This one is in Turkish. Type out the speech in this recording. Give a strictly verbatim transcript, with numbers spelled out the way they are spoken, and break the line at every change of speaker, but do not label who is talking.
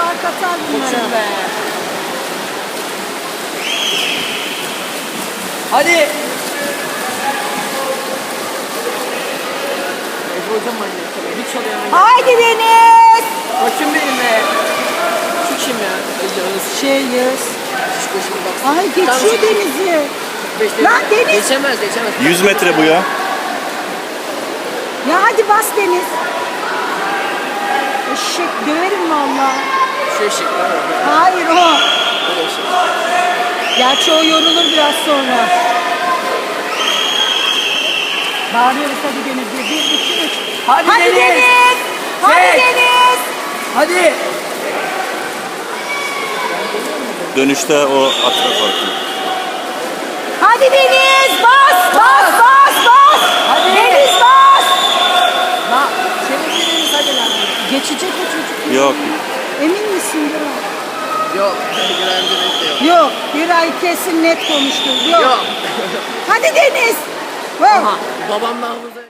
fark atar bunlara.
Koçum be. Hadi. Ebru hocam manyak tabii. Hiç oluyor.
Haydi Deniz.
Koçum benim be. Şu kim ya?
Şey Yağız.
Şişko şimdi bak.
Ay geçiyor Deniz'i.
Beşte
Lan Deniz.
Geçemez geçemez.
yüz metre bu ya.
Ya hadi bas Deniz. Eşek döverim valla.
Şu eşek var ya.
Hayır o.
Bu eşek.
Gerçi o yorulur biraz sonra. Bağırıyoruz hadi Deniz. Bir, bir, iki, üç.
Hadi,
Hadi
Deniz.
Deniz. Hadi
Çek.
Deniz.
Hadi.
Dönüşte o atla farkı.
Hadi Deniz. Bas bas bas bas.
Hadi.
Deniz bas.
Ha, senin biriniz hadi lan.
Geçecek o çocuk.
Yok.
Emin misin değil mi?
Yok. Güvendiğiniz de yok.
Yok. Bir ay kesin net konuştu. Yok.
Yok.
Hadi Deniz. Wow.
Aha. Babamla havuza.